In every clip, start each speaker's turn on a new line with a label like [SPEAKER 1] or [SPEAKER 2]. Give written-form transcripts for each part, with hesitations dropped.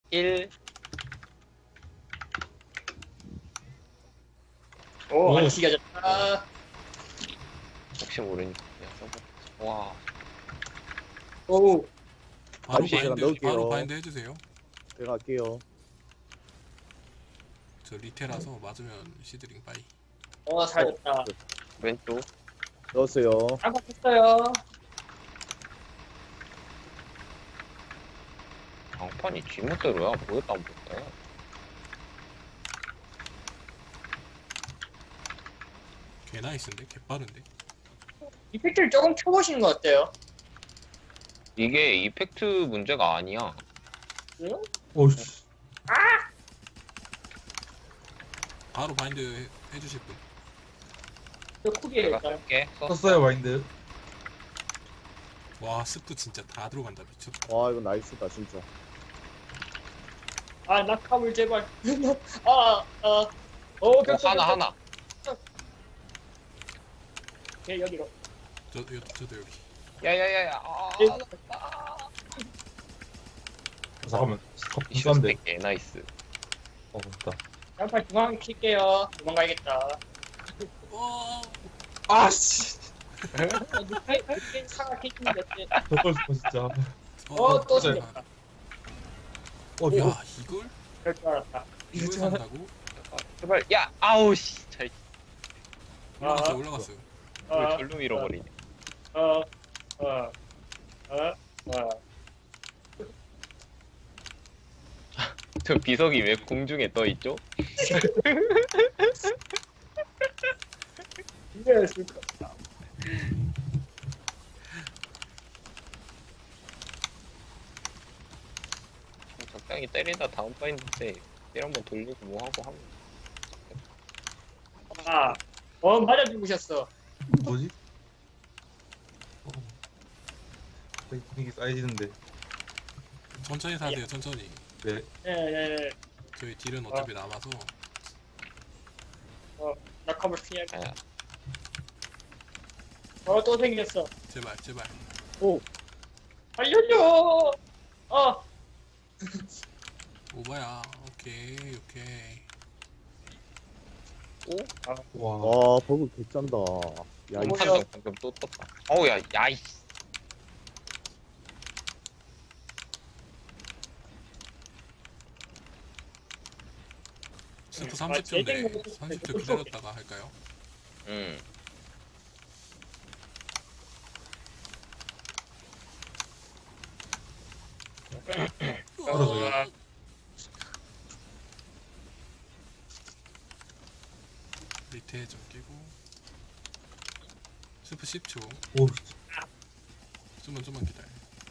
[SPEAKER 1] 1.
[SPEAKER 2] 오,
[SPEAKER 3] 오.
[SPEAKER 2] 안 튀겨졌다.
[SPEAKER 1] 혹시 모르니까 그냥 써봐. 와.
[SPEAKER 2] 오,
[SPEAKER 3] 바로
[SPEAKER 1] 잠시
[SPEAKER 4] 제가
[SPEAKER 3] 바인드
[SPEAKER 4] 넣을게요.
[SPEAKER 3] 바로 바인드 해주세요.
[SPEAKER 4] 제가 할게요.
[SPEAKER 3] 저 리테라서 맞으면 시드링 빠이.
[SPEAKER 2] 살졌다.
[SPEAKER 1] 왼쪽.
[SPEAKER 4] 넣었어요.
[SPEAKER 2] 깜빡했어요.
[SPEAKER 1] 장판이 지멋대로야. 뭐였다 안 보였다.
[SPEAKER 3] 개 나이스인데 개 빠른데.
[SPEAKER 2] 이펙트를 조금 켜보시는 거 어때요?
[SPEAKER 1] 이게 이펙트 문제가 아니야.
[SPEAKER 2] 응?
[SPEAKER 5] 오씨.
[SPEAKER 3] 바로 바인드 해주실 분.
[SPEAKER 2] 저 쿠비에
[SPEAKER 1] 내가
[SPEAKER 2] 일단.
[SPEAKER 1] 쓸게.
[SPEAKER 5] 썼어요 마인드.
[SPEAKER 3] 와 스프 진짜 다 들어간다 미쳤다.
[SPEAKER 4] 와 이거 나이스다 진짜.
[SPEAKER 2] 낙하물 제발.
[SPEAKER 1] 하나.
[SPEAKER 2] 네, 여기로.
[SPEAKER 3] 저도 여기.
[SPEAKER 1] 야야야야.
[SPEAKER 5] 잠깐만.
[SPEAKER 1] 이슈
[SPEAKER 5] 깜깜한데.
[SPEAKER 1] 스택 개 나이스.
[SPEAKER 5] 됐다.
[SPEAKER 2] 양팔 중앙 킬게요. 도망가야겠다.
[SPEAKER 3] 와.
[SPEAKER 5] 아씨.
[SPEAKER 2] 사과 킬인데 어때?
[SPEAKER 5] 저걸 진짜.
[SPEAKER 2] 또
[SPEAKER 3] 진짜.
[SPEAKER 2] 생겼다.
[SPEAKER 3] 야 이걸
[SPEAKER 2] 그럴 줄 알았다.
[SPEAKER 3] 이걸 산다고?
[SPEAKER 1] 제발. 야 아우 씨. 잘
[SPEAKER 3] 올라갔어 올라갔어요.
[SPEAKER 1] 절로 밀어버리네. 저 비석이 왜 공중에 떠 있죠?
[SPEAKER 2] 이게 있을 것 같다.
[SPEAKER 1] 적당히 때리다 다음 파인드 때 일 한번 돌리고 뭐 하고 하면.
[SPEAKER 2] 맞아 죽으셨어.
[SPEAKER 5] 뭐지? 분위기 쌓여지는데.
[SPEAKER 3] 천천히 사세요 천천히.
[SPEAKER 5] 네.
[SPEAKER 2] 네.
[SPEAKER 3] 저희 딜은 어차피 남아서.
[SPEAKER 2] 낙하물 피해.
[SPEAKER 1] 야,
[SPEAKER 2] 또 생겼어.
[SPEAKER 3] 제발 제발.
[SPEAKER 2] 알려줘.
[SPEAKER 3] 오바야. 오케이.
[SPEAKER 5] 와.
[SPEAKER 4] 와 버그 개짠다. 야 이거
[SPEAKER 2] 뭐야?
[SPEAKER 1] 한정 방금 또 떴다. 어우 야이.
[SPEAKER 3] 스프
[SPEAKER 2] 제일
[SPEAKER 3] 30초인데
[SPEAKER 2] 먹고 싶은데
[SPEAKER 3] 30초 기다렸다가 할까요?
[SPEAKER 5] 떨어져요.
[SPEAKER 3] 밑에 좀 끼고. 스프 10초.
[SPEAKER 5] 오.
[SPEAKER 3] 좀만 기다려.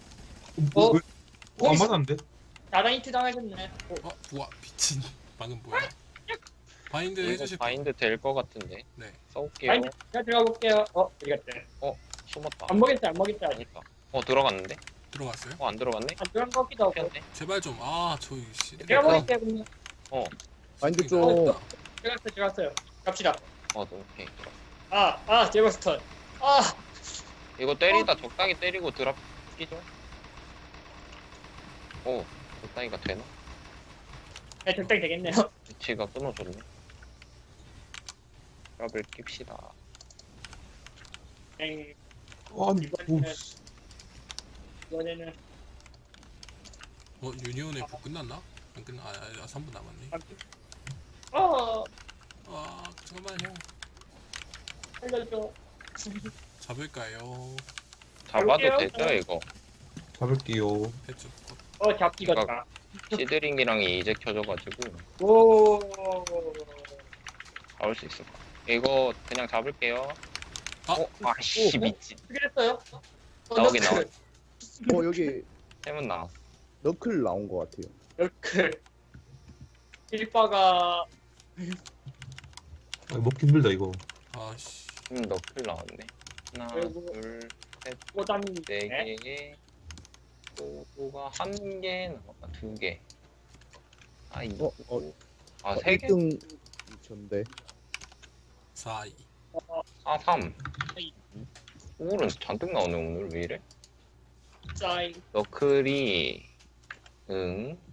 [SPEAKER 5] 안 맞았는데?
[SPEAKER 2] 나랑 히트 당하셨네.
[SPEAKER 3] 우와 미친. 방금 뭐야? 바인드
[SPEAKER 1] 이거
[SPEAKER 3] 해주실 분.
[SPEAKER 1] 바인드 될 것 같은데.
[SPEAKER 3] 네.
[SPEAKER 1] 써올게요.
[SPEAKER 2] 아니, 제가 들어가 볼게요. 어디 갔대?
[SPEAKER 1] 숨었다.
[SPEAKER 2] 안 먹겠다.
[SPEAKER 1] 아니다. 들어갔는데?
[SPEAKER 3] 들어갔어요?
[SPEAKER 1] 안 들어갔네?
[SPEAKER 2] 안 들어간 것 같기도 하고.
[SPEAKER 1] 피었네.
[SPEAKER 3] 제발 좀. 저희 씨.
[SPEAKER 2] 제가 먹을게요. 그냥.
[SPEAKER 4] 마인드 좀.
[SPEAKER 2] 들어갔어요. 갑시다.
[SPEAKER 1] 오케이. 들어갔어.
[SPEAKER 2] 제버스턴.
[SPEAKER 1] 이거 때리다 적당히 때리고 드랍 끼죠? 적당히가 되나?
[SPEAKER 2] 네, 적당히 되겠네요.
[SPEAKER 1] 위치가 끊어졌네. 드랍을 낍시다.
[SPEAKER 5] 아니.
[SPEAKER 2] 이번에는-
[SPEAKER 5] 오씨.
[SPEAKER 2] 이번에는
[SPEAKER 3] 유니온의 부 끝났나? 안 끝나. 3분 남았네. 잠깐만요.
[SPEAKER 2] 살려줘.
[SPEAKER 3] 잡을까요?
[SPEAKER 1] 잡아도
[SPEAKER 2] 볼게요.
[SPEAKER 1] 되죠 이거?
[SPEAKER 5] 잡을게요.
[SPEAKER 3] 해줘.
[SPEAKER 2] 잡기겠다.
[SPEAKER 1] 시드링이랑이 이제 켜져가지고
[SPEAKER 2] 오.
[SPEAKER 1] 잡을 수 있을 것 같아. 이거 그냥 잡을게요. 아씨 미친.
[SPEAKER 2] 그랬어요?
[SPEAKER 1] 나오긴 나와.
[SPEAKER 4] 여기
[SPEAKER 1] 템은 나왔어.
[SPEAKER 4] 너클 나온 것 같아요.
[SPEAKER 2] 너클. 일바가
[SPEAKER 5] 먹기 힘들다 이거.
[SPEAKER 3] 아씨.
[SPEAKER 1] 너클 나왔네. 하나,
[SPEAKER 2] 그리고-
[SPEAKER 1] 둘, 셋,
[SPEAKER 2] 꼬담이
[SPEAKER 1] 네 개에 또가 한 개 남았다. 두 개. 이거. 세 개?
[SPEAKER 4] 1등 2천대.
[SPEAKER 3] 4, 2.
[SPEAKER 1] 3. 오늘은 잔뜩 나오네 오늘 왜 이래?
[SPEAKER 2] 짜이.
[SPEAKER 1] 너클이